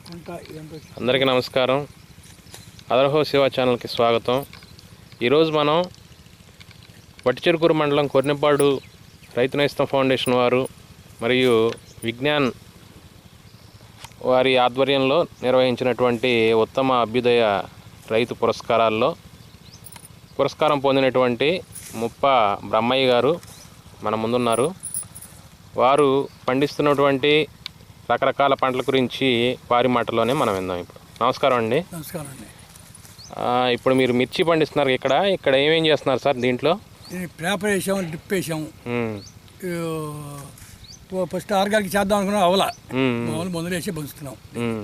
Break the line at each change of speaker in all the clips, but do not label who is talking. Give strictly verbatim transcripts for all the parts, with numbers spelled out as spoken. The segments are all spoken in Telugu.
అందరికీ నమస్కారం. అదరహో శివ ఛానల్కి స్వాగతం. ఈరోజు మనం వట్టిచెరుకూరు మండలం కొర్నెపాడు రైతు నేస్తం ఫౌండేషన్ వారు మరియు విజ్ఞాన్ వారి ఆధ్వర్యంలో నిర్వహించినటువంటి ఉత్తమ అభ్యుదయ రైతు పురస్కారాల్లో పురస్కారం పొందినటువంటి ముప్ప బ్రహ్మయ్య గారు మన ముందున్నారు. వారు పండిస్తున్నటువంటి రకరకాల పంటల గురించి వారి మాటలోనే మనం విందాం. ఇప్పుడు నమస్కారం అండి.
నమస్కారం అండి.
ఇప్పుడు మీరు మిర్చి పండిస్తున్నారు. ఇక్కడ ఇక్కడ ఏమేం చేస్తున్నారు సార్? దీంట్లో
పేపర్ వేసాం, డ్రిప్ వేసాం. ఫస్ట్ ఆర్గానిక్ చేద్దాం అనుకున్నాం, అవలా మామూలు మందులు వేసి పంచుతున్నాం.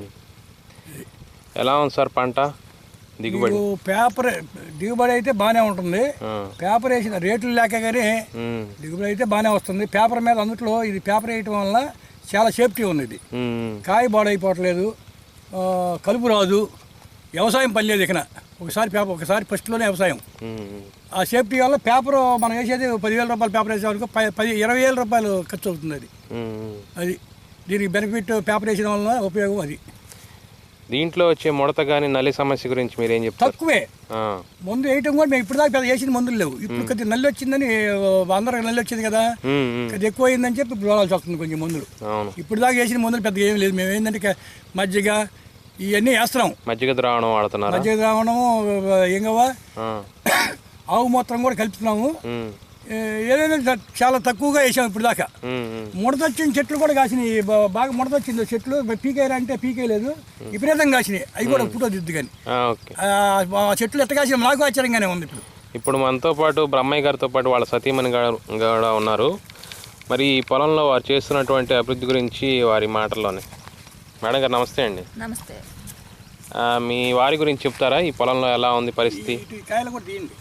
ఎలా ఉంది సార్ పంట దిగుబడి?
పేపర్ దిగుబడి అయితే బాగానే ఉంటుంది. పేపర్ వేసిన రేట్లు లేక కానీ దిగుబడి అయితే బాగానే వస్తుంది. పేపర్ మీద అందుట్లో ఇది పేపర్ వేయటం వల్ల చాలా సేఫ్టీ ఉంది. ఇది కాయ బాడైపోవట్లేదు, కలుపు రాదు, వ్యవసాయం పని లేదు. ఇక్కడ ఒకసారి పేపర్ ఒకసారి ఫస్ట్లోనే వ్యవసాయం. ఆ సేఫ్టీ వల్ల పేపర్ మనం వేసేది పదివేల రూపాయలు పేపర్ వేసేవాళ్ళకి పది ఇరవై వేల రూపాయలు ఖర్చు అవుతుంది. అది అది దీనికి బెనిఫిట్ పేపర్ వేసిన వల్ల ఉపయోగం. అది
దీంట్లో వచ్చే ముడత కానీ నల్లి సమస్య గురించి మీరు ఏం చెప్తారు?
తక్కువే. మందు వేయటం కూడా మేము ఇప్పుడు దాకా పెద్ద వేసిన మందులు లేవు. ఇప్పుడు కొద్దిగా నల్లి వచ్చిందని అందరికి నల్లి వచ్చింది కదా, కొద్దిగా ఎక్కువ అయిందని చెప్పి ఇప్పుడు వాడాల్సి వస్తుంది కొంచెం మందులు. ఇప్పుడు దాకా వేసిన మందులు పెద్దగా ఏం లేదు. మేము ఏంటంటే మజ్జిగ ఇవన్నీ వేస్తున్నాం.
మజ్జిగ ద్రావణం వాడుతున్నాం.
మజ్జిగ ద్రావణము ఏంగవా ఆవు మూత్రం కూడా కలుపుతున్నాము. ఏదైనా చాలా తక్కువగా వేసాం ఇప్పుడు దాకా. ముడతొచ్చిన చెట్లు కూడా కాసినాయి, బాగా ముడతొచ్చింది చెట్లు. పీకేయాలి అంటే పీకేయలేదు, విపరీతంగా కాసినాయి. అవి కూడా ఫోటో దిద్దు కానీ ఆ చెట్లు ఎట్ట కాసిన నాకు ఆశ్చర్యంగానే ఉంది. ఇప్పుడు
ఇప్పుడు మనతో పాటు బ్రహ్మయ్య గారితో పాటు వాళ్ళ సతీమణి కూడా ఉన్నారు. మరి ఈ పొలంలో వారు చేస్తున్నటువంటి అభివృద్ధి గురించి వారి మాటల్లోనే. మేడం గారు నమస్తే అండి.
నమస్తే.
మీ వారి గురించి చెప్తారా? ఈ పొలంలో ఎలా ఉంది పరిస్థితి?
కాయలు కూడా తీయండి.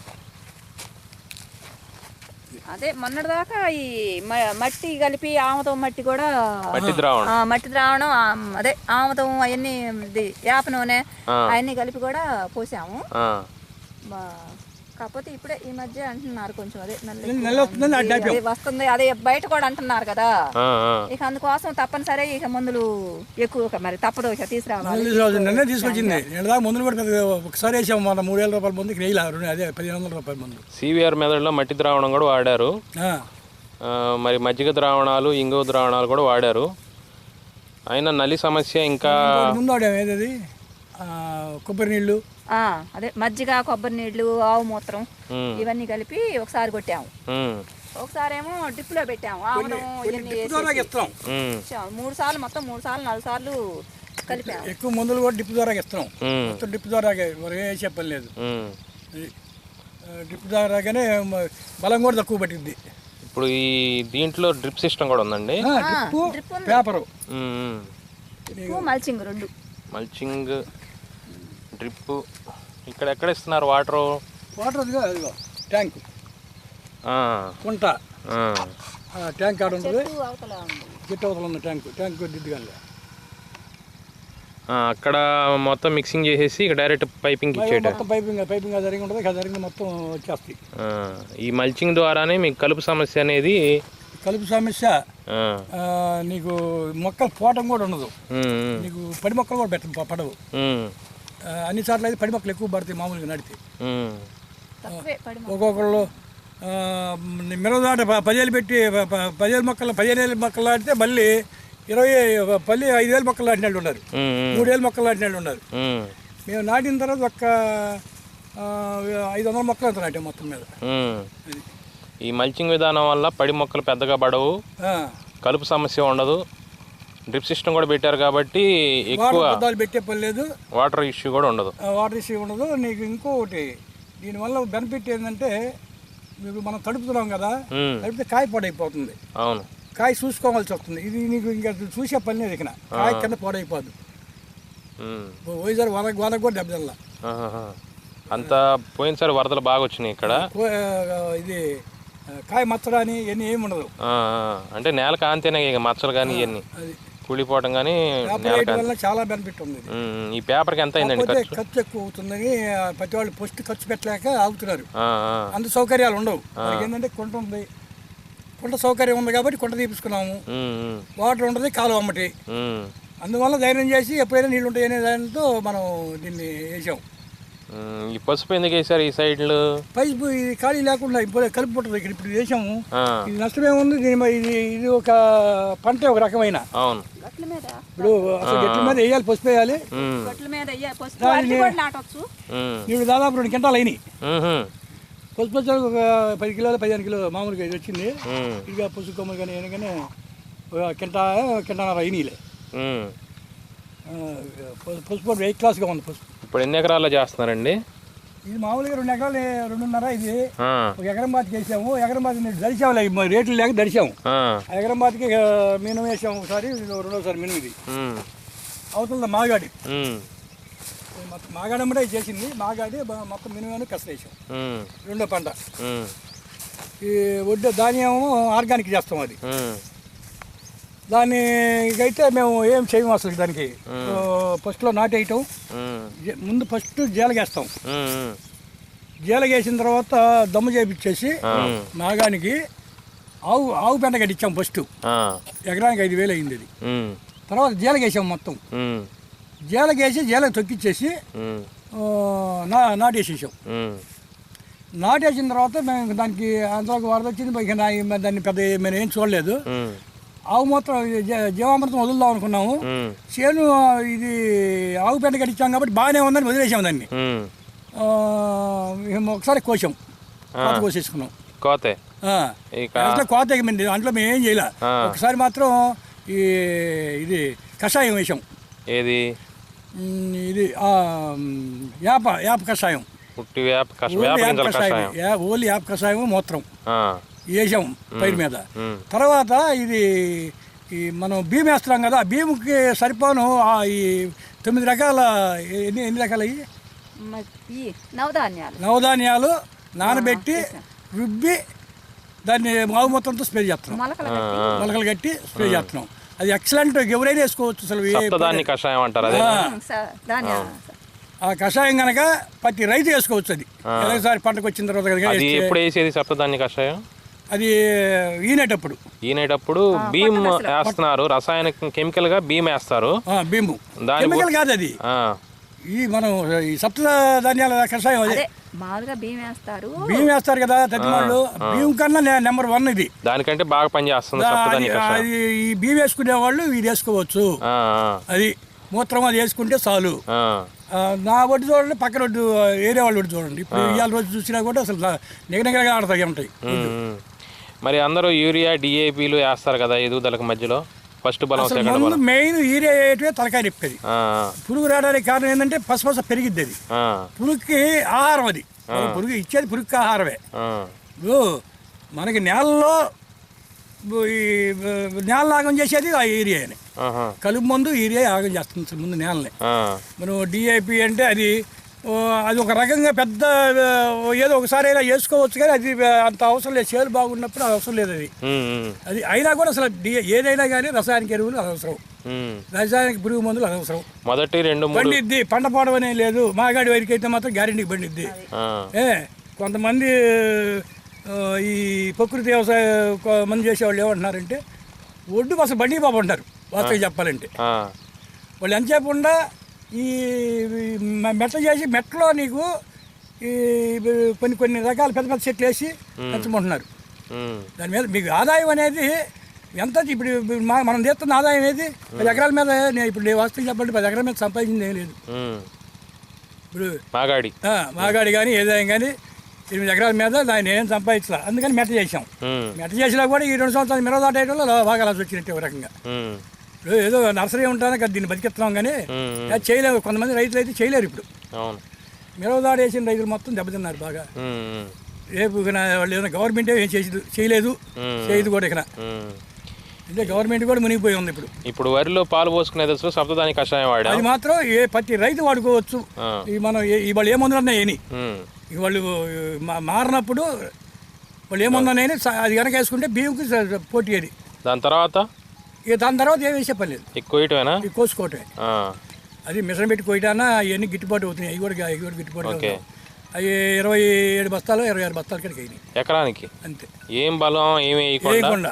అదే మొన్నటిదాకా ఈ మట్టి కలిపి ఆముదం మట్టి కూడా
మట్టి ద్రావణం
మట్టి ద్రావణం అదే ఆముదం అవన్నీ వేప నూనె అవన్నీ కలిపి కూడా పోసాము. కాకపోతే ఇప్పుడే ఈ మధ్య అంటున్నారు కొంచెం అదే నల్లి వస్తుంది, అదే బయట కూడా అంటున్నారు కదా. ఇక అందుకోసం తప్పనిసరి ఇక మందులు ఎక్కువ మరి తప్పదు ఇక తీసుకురావాలి.
తీసుకొచ్చింది మందులు కూడా ఒకసారి వేసాము. మన మూడు వేల రూపాయల మందుకి వేయాలి, అదే పదిహేను వందల రూపాయల మందు.
సివిఆర్ మెదడులో మట్టి ద్రావణం కూడా వాడారు. మరి మజ్జిగ ద్రావణాలు, ఇంగువ ద్రావణాలు కూడా వాడారు. అయినా నల్లి సమస్య ఇంకా
ముందు వాడాము. ఏదది కొబ్బరి నీళ్ళు,
అదే మజ్జిగ, కొబ్బరి నీళ్లు, ఆవు మూత్రం ఇవన్నీ కలిపి ఒకసారి కొట్టాము. ఒకసారి ఏమో డ్రిప్ లో పెట్టాము. మూడు సార్లు మొత్తం మూడు సార్లు నాలుగు సార్లు కలిపాము.
ఎక్కువ మందులు కూడా డ్రిప్ ద్వారా ఇస్తున్నాం. డ్రిప్ ద్వారా చెప్పని లేదు. డ్రిప్ ద్వారాగానే బలం కూడా తక్కువ పట్టింది.
ఇప్పుడు ఈ దీంట్లో డ్రిప్ సిస్టమ్ కూడా ఉందండి.
పేపర్
మల్చింగ్ రెండు
మల్చింగ్ డ్రిప్. ఇక్కడ ఎక్కడ ఇస్తున్నారు వాటర్?
వాటర్ ట్యాంక్ కుంట ట్యాంక్ ఆడ ఉంటుంది. చెట్టు అవతల ఉన్న ట్యాంక్ ట్యాంక్ దిద్దుగా
అక్కడ మొత్తం మిక్సింగ్ చేసేసి ఇక్కడ డైరెక్ట్ పైపింగ్ ఇచ్చేట.
మొత్తం పైపింగ్ పైపింగ్ జరిగి ఉంటుంది. జరిగింది మొత్తం వచ్చేస్తాయి.
ఈ మల్చింగ్ ద్వారానే మీకు కలుపు సమస్య అనేది
కలుపు సమస్య నీకు మొక్కలు పోవటం కూడా ఉండదు. నీకు పడి మొక్కలు కూడా పెట్ట పడవు. అన్ని చోట్ల అయితే పడి మొక్కలు ఎక్కువ పడతాయి మామూలుగా నడితే. ఒక్కొక్కళ్ళు మిరదాట పదివేలు పెట్టి పదివేలు మొక్కలు పదిహేను మొక్కలు నాటితే మళ్ళీ ఇరవై పల్లి ఐదు వేలు మొక్కలు నాటిన వాళ్ళు ఉన్నారు, మూడేళ్ళు మొక్కలు నాటిన వాళ్ళు ఉన్నారు. మేము నాటిన తర్వాత ఒక్క ఐదు వందల మొక్కలు అంత నాటాం మొత్తం మీద.
ఈ మల్చింగ్ విధానం వల్ల పడి మొక్కలు పెద్దగా పడవు, కలుపు సమస్య ఉండదు. డ్రిప్ సిస్టమ్ కూడా పెట్టారు కాబట్టి ఎక్కువ
పెట్టే పని లేదు.
వాటర్ ఇష్యూ కూడా ఉండదు.
వాటర్ ఇష్యూ ఉండదు. నీకు ఇంకొకటి దీనివల్ల బెనిఫిట్ ఏంటంటే మీకు మనం తడుపుతున్నాం కదా, తడిపితే కాయ పాడైపోతుంది.
అవును,
కాయ చూసుకోవాల్సి వస్తుంది. ఇది నీకు ఇంకా చూసే పని లేదు. ఇక్కడ కాయ కింద పాడైపోదు. పోయినసారి వన వనకు కూడా దెబ్బతిల్లా.
అంతా పోయినసారి వరదలు బాగా వచ్చినాయి ఇక్కడ.
ఇది కాయ మచ్చడాని ఇవన్నీ ఏమి ఉండదు.
అంటే నేల కాంతేనే ఇక మచ్చలు కానీ ఇవన్నీ కూలిపోవటం కానీ
చాలా బెనిఫిట్ ఉంది.
ఈ పేపర్కి ఎంత అయిందండి ఖర్చు?
ఖర్చు ఎక్కువ అవుతుందని ప్రతి వాళ్ళు ఫస్ట్ ఖర్చు పెట్టలేక ఆగుతున్నారు. అంత సౌకర్యాలు ఉండవు. ఏంటంటే కుంట ఉంది, కుంట సౌకర్యం ఉంది కాబట్టి కుంట తీపించుకున్నాము. వాటర్ ఉండదు, కాలువ అమ్మటి అందువల్ల ధైర్యం చేసి ఎప్పుడైనా నీళ్ళు ఉంటాయనే దానితో మనం దీన్ని వేసాం.
ఉమ్, ఈ పసుపు ఎందుకు వేసారు ఈ సైడ్లు?
పైపు ఇది ఖాళీ లేకుండా ఇప్పుడు కలిపి పుట్టదు ఇక్కడ ఇప్పుడు వేసాము.
ఆ,
ఇది నష్టమేముంది, దీని మీద ఇది ఇది ఒక పంట ఒక రకమైన.
అవును.
గట్ల మీద
ఇప్పుడు అసలు గట్ల మీద వేయాలి, పసుపు వేయాలి.
ఉమ్,
గట్ల మీద వెయ్యాలి, పసుపు అరటి కూడా నాటొచ్చు.
ఉమ్,
నీళ్ళు దాదాపు రెండు కింటాలు అయినాయి.
ఉహు,
పసుపు వచ్చాక ఒక పది కిలోలు పదిహేను కిలో మామూలుగా ఇది వచ్చింది.
ఉమ్,
ఇక పసుపు కొమ్మలు కానీ ఏమైనా కానీ ఒక కింట కింటన్నర అయినాయిలే.
ఉమ్.
ఆ, పసు- పసుపు వెయిట్ క్లాస్గా ఉంది పసుపు.
ఇప్పుడు ఎన్ని ఎకరాల్లో చేస్తున్నారండి?
ఇది మామూలుగా రెండు ఎకరాలు రెండున్నర ఇది.
ఆ,
ఒక ఎకరం బాతికి వేసాము, ఎకరం బాతికి దడిచాము, రేట్లు లేక దడిచాము.
ఆ,
ఆ ఎకరం బాతికి మినుము వేసాము ఒకసారి, ఇది రెండోసారి మినుము. ఇది
ఉమ్,
అవుతుంది మాగాడి.
ఉమ్,
మొత్తం మాగాడి అమ్మడే చేసింది. మాగాడి బ- మొత్తం మినుము కష్ట వేసాం.
ఉమ్,
రెండో పంట.
ఉమ్,
ఈ వడ్డే ధాన్యం ఆర్గానిక్ చేస్తాం. అది
ఉమ్,
దానికైతే మేము ఏం చేయము అసలు. దానికి ఫస్ట్లో నాటేయటం,
ఉమ్,
జ- ముందు ఫస్ట్ జీలగేస్తాం.
ఉమ్,
జీలగేసిన తర్వాత దమ్ము చేపించేసి
ఉమ్,
నాగానికి ఆవు ఆవు పెంట కట్టించాం ఫస్ట్.
ఆ,
ఎకరానికి ఐదు వేలు అయింది అది.
ఉమ్,
తర్వాత జీలగేసాం మొత్తం.
ఉమ్,
జీలగేసి జీల తొక్కిచ్చేసి
ఉమ్,
ఆ, నా నాటేసేసాం.
ఉమ్,
నాటేసిన తర్వాత మేము దానికి అంతలోకి వరద వచ్చింది. ఇక నా- దాన్ని పెద్ద మేము ఏం చూడలేదు.
ఉమ్,
ఆవు మూత్రం జీ- జీవామృతం వదులుదాం అనుకున్నాము.
ఉమ్,
చేను ఇది ఆవు పెంట కట్టించాం కాబట్టి బాగానే ఉందని వదిలేసాం దాన్ని.
ఉమ్.
ఆ, మేము ఒకసారి కోసాం, కోత కోసేసుకున్నాం.
కోతే
ఆ,
ఇక
అట్లా కోత ఎగమండి, దాంట్లో మేము ఏం చేయలే.
ఆ.
ఒకసారి మాత్రం ఈ ఇది కషాయం వేసాం.
ఏది?
ఉమ్, ఇది ఆ, ఉమ్, యాప యాప కషాయం.
పుట్టి వేప కష
ఓన్లీ
వేప
యాప
గింజల
కషాయం,
కషాయం.
యా- ఓన్లీ యాప కషాయం మూత్రం
ఆ,
వేసాం పైరు మీద.
ఉమ్,
తర్వాత ఇది ఈ మనం భీమ్ వేస్తున్నాం కదా, భీముకి సరిపోను ఆ ఈ తొమ్మిది రకాల ఎన్ని ఎన్ని రకాలు అయ్యి
మ- ఈ నవధాన్యాలు
నవధాన్యాలు నానబెట్టి రుబ్బి దాన్ని మావు మొత్తంతో స్ప్రే చేస్తున్నాం.
మొలకలు
ఆ,
కట్టి
ఆ.
మొలకలు కట్టి స్ప్రే చేస్తున్నాం. అది ఎక్సలెంట్, ఎవరైనా వేసుకోవచ్చు అసలు. ఏ-
సప్తదాన్ని కషాయం అంటారు అదే.
ఆ,
స- ధాన్యాలు
ఆ కషాయం కనుక ప్రతి రైతు వేసుకోవచ్చు. అది ఎలాగోసారి పంటకు వచ్చిన తర్వాత కనుక
అది
వేస్తే
ఎప్పుడు వేసేది సప్తదాన్ని కషాయం?
అది ఈనేటప్పుడు
ఈనేటప్పుడు భీమ్ వేస్తున్నారు, రసాయనిక కెమికల్ గా భీమ్ వేస్తారు.
ఆ, భీము
దాని
కెమికల్ కాదు అది.
ఆ,
ఈ మనం ఈ సప్త ధాన్యాల కషాయం అదే.
అదే మామూలుగా బియ్యం వేస్తారు.
బియ్యం వేస్తారు కదా తగ్గినాళ్ళు, బియ్యం కన్నా నెంబర్ వన్ ఇది.
దానికంటే బాగా పనిచేస్తుంది
అది
సప్తదాన్ని కషాయం.
అది ఈ బియ్యం వేసుకునే వాళ్ళు ఇది వేసుకోవచ్చు.
ఆ,
అది మూత్రం అది వేసుకుంటే చాలు.
ఆ,
ఆ, నా ఒడ్డు చూడండి, పక్కన ఒడ్డు ఏరియా వాళ్ళు ఒడ్డు చూడండి. ఇప్పుడు ఇవాళ రోజు చూసినా కూడా అసలు నిగనగరగా ఆడతాయి ఉంటాయి.
ఉమ్, ఉమ్. మరి అందరూ యూరియా డిఏపిలు వేస్తారు కదా ఎదుగుదలకు మధ్యలో, ఫస్ట్ బలం
అసలు
సెకండ్
ముందు
బలం.
మెయిన్ ఏరియా వేయటమే తలకాయ నిప్పేది.
ఆ,
పురుగు రావడానికి కారణం ఏంటంటే పసపస పెరిగిద్ది. అది
ఆ,
పురుగుకి ఆహారం. అది మనం పురుగు ఇచ్చేది పురుగుకి ఆహారమే.
ఆ,
ఇప్పుడు మనకి నేలలో ఈ నేల ఆగం చేసేది ఆ ఏరియాని.
ఆహా,
కలుపు మందు ఏరియా ఆగం చేస్తుంది అసలు ముందు నేలని.
ఆ,
మనం డిఐపి అంటే అది ఓ, అది ఒక రకంగా పెద్ద ఓ, ఏదో ఒకసారి అయినా వేసుకోవచ్చు, కానీ అది అంత అవసరం లేదు. చేలు బాగున్నప్పుడు అది అవసరం లేదు. అది
ఉమ్, ఉమ్,
అది అయినా కూడా అసలు డి ఏదైనా కానీ రసాయనిక ఎరువులు అనవసరం,
ఉమ్.
రసాయనిక పురుగు మందులు అనవసరం.
మొదటి రెండు మూడు
బండిద్ది, పంట పోవడం అనే లేదు. మాగాడి వరకు అయితే మాత్రం గ్యారెంటీకి బండిద్ది.
ఆ,
ఏ కొంతమంది ఆ, ఈ ప్రకృతి వ్యవసాయ కొ- మంది చేసేవాళ్ళు ఏమంటున్నారంటే ఒడ్డుకు అసలు బండి బాబు అంటారు వాస్తవం చెప్పాలంటే.
ఆ,
వాళ్ళు ఎంతసేపు ఉండా ఈ మె- మెట్ట చేసి మెట్టలో నీకు ఈ కొన్ని కొన్ని రకాల పెద్ద పెద్ద చెట్లు వేసి పెంచమంటున్నారు.
ఉమ్,
దాని మీద మీకు ఆదాయం అనేది ఎంత? ఇప్పుడు ఇప్పుడు మా- మనం తీస్తున్న ఆదాయం ఏది? పది ఎకరాల మీద నేను ఇప్పుడు నేను వాస్తవం చెప్పండి, పది ఎకరాల మీద సంపాదించింది ఏం లేదు.
ఉమ్.
ఇప్పుడు
మాగాడి.
ఆ, మాగాడి కానీ ఏదైనా కానీ ఎనిమిది ఎకరాల మీద దాన్ని ఏం సంపాదించలే, అందుకని మెట్ట చేసాం.
ఉమ్,
మెట్ట చేసినా కూడా ఈ రెండు సంవత్సరాలు మిరవ దాటేయడంలో బాగా లాస్ వచ్చినట్టు ఒక రకంగా.
ఉమ్,
ఇప్పుడు ఏదో నర్సరీ ఉంటానే కదా దీన్ని బతికిస్తున్నాం, కానీ
ఉమ్,
అది చేయలేవు. కొంతమంది రైతులు అయితే చేయలేరు. ఇప్పుడు
అవును.
మిరవ దాడి వేసిన రైతులు మొత్తం దెబ్బతిన్నారు బాగా.
ఉమ్, ఉమ్,
రేపు ఇక నా- వాళ్ళు ఏదైనా గవర్నమెంట్ ఏం చేసి చేయలేదు,
ఉమ్,
చేయదు కూడా ఇక్కడ.
ఉమ్.
అంటే గవర్నమెంట్ కూడా మునిగిపోయి ఉంది ఇప్పుడు.
ఇప్పుడు వరిలో పాలు పోసుకునే దశలో సప్తదాని కషాయం వాడా?
అది మాత్రం ఏ ప్రతి రైతు వాడుకోవచ్చు.
ఆ,
ఈ మనం ఏ- ఈ వాళ్ళు ఏ మందులన్నా ఏని
ఉమ్,
ఇక వాళ్ళు మా- మారినప్పుడు వాళ్ళు ఏ మందులన్నా ఏని స- అది కనుక వేసుకుంటే బియ్యంకి స- పోటీ అది.
దాని తర్వాత
ఇక దాని తర్వాత ఏం వేసే పని లేదు,
ఎక్కువ వేయటమేనా?
ఇది కోసుకోవటమే.
ఆ,
అది మిషన్ పెట్టి కోయటానా అవన్నీ గిట్టుబాటు అవుతున్నాయి. అవి కూడా అవి కూడా గిట్టుబాటు
ఓకే.
అవుతాయి. అవి ఇరవై ఏడు బస్తాలు ఇరవై ఆరు బస్తాల కడికి అయినాయి
ఎకరానికి
అంతే.
ఏం బలం ఏమి వేయకుండా
వేయకుండా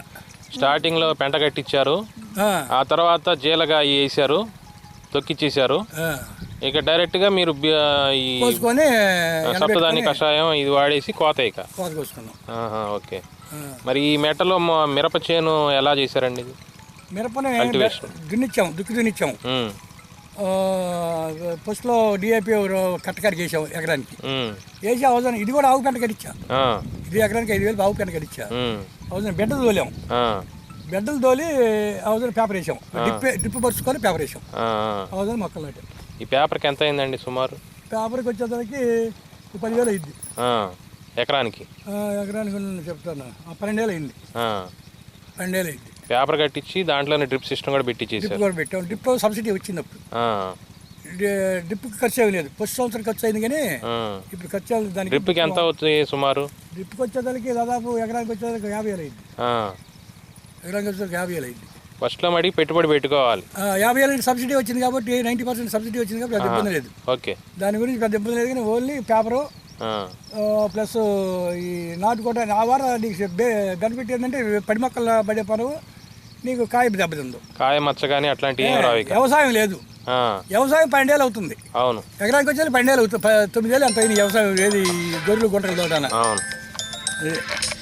స్టార్టింగ్లో పెంట కట్టించారు,
ఆ,
ఆ తర్వాత జీలగా వేసారు, తొక్కిచ్చేసారు.
ఆ.
ఇక డైరెక్ట్గా మీరు బి- ఈ
కోసుకొని
సప్తదాని కషాయం ఇది వాడేసి కోత ఇక.
కోత కోసుకున్నాం.
ఆహా, ఓకే.
ఆ.
మరి ఈ మెట్టలో మ- మిరప చేను ఎలా చేశారండి ఇది?
మిరపని
Cultivation.
దున్నిచ్చాం, దుక్కి దున్నిచ్చాం.
ఉమ్,
ఫస్ట్లో డిఏపి కట్టకాడికి వేసాం ఎకరానికి.
ఉమ్,
వేసి అవసరం ఇది కూడా ఆవు పెంట కట్టించా.
ఆ,
ఇది ఎకరానికి ఐదు వేలు ఆవు పెంట కట్టించా.
ఉమ్,
అవసరం బెడ్డలు తోలాం,
ఆ,
బెడ్డలు తోలి అవసరం పేపర్ వేసాం, డిప్ డిప్ పరుచుకొని పేపర్ వేసాం.
ఆ, ఆ.
అవసరం మొక్కలు నాటాం.
ఈ పేపర్కి ఎంత అయిందండి సుమారు?
పేపర్కి వచ్చేసరికి పదివేలు అయింది
ఆ, ఎకరానికి?
ఎకరానికి చెప్తాను, ఆ, పన్నెండేళ్ళు అయింది.
ఆ,
పన్నెండేళ్ళు అయింది.
పేపర్ కట్టించి దాంట్లోనే డ్రిప్ సిస్టమ్ కూడా పెట్టించేసారు.
డిప్ కూడా పెట్టాం. డిప్ సబ్సిడీ వచ్చింది అప్పుడు.
ఆ,
డి- డిప్కి ఖర్చు ఏమి లేదు. ఫస్ట్ సంవత్సరం ఖర్చు అయింది కానీ
ఆ.
ఇప్పుడు ఖర్చు అవ్వలేదు దానికి.
డ్రిప్కి ఎంత అవుతుంది సుమారు?
డిప్కి వచ్చేసరికి దాదాపు ఎకరానికి వచ్చేసరికి యాభై వేలు అయింది.
ఆ,
ఎకరానికి వచ్చేసరికి యాభై వేలు అయింది.
ఫస్ట్లో మడి పెట్టుబడి పెట్టుకోవాలి.
ఆ, యాభై వేలు సబ్సిడీ వచ్చింది కాబట్టి నైంటీ పర్సెంట్ సబ్సిడీ వచ్చింది కాబట్టి పెద్ద ఇబ్బంది లేదు.
ఓకే.
దాని గురించి పెద్ద ఇబ్బంది లేదు కానీ ఓన్లీ పేపరు
ఆ,
ప్లస్ ఈ నాటుకోట ఆ వార నీకు బెనిఫిట్ ఏంటంటే పడి మొక్కలు పడే పనువు నీకు కాయ దెబ్బతిందు.
కాయ మచ్చ కానీ అట్లాంటివి ఏం రావు ఇక.
వ్యవసాయం లేదు.
ఆ,
వ్యవసాయం పన్నెండేళ్ళు అవుతుంది.
అవును,
ఎకరానికి వచ్చేది పన్నెండేళ్ళు అవుతుంది. ప- తొమ్మిదేళ్ళు ఎంత అయింది వ్యవసాయం ఏది గొర్రెలు గుంటలు తోటాన.
అవును.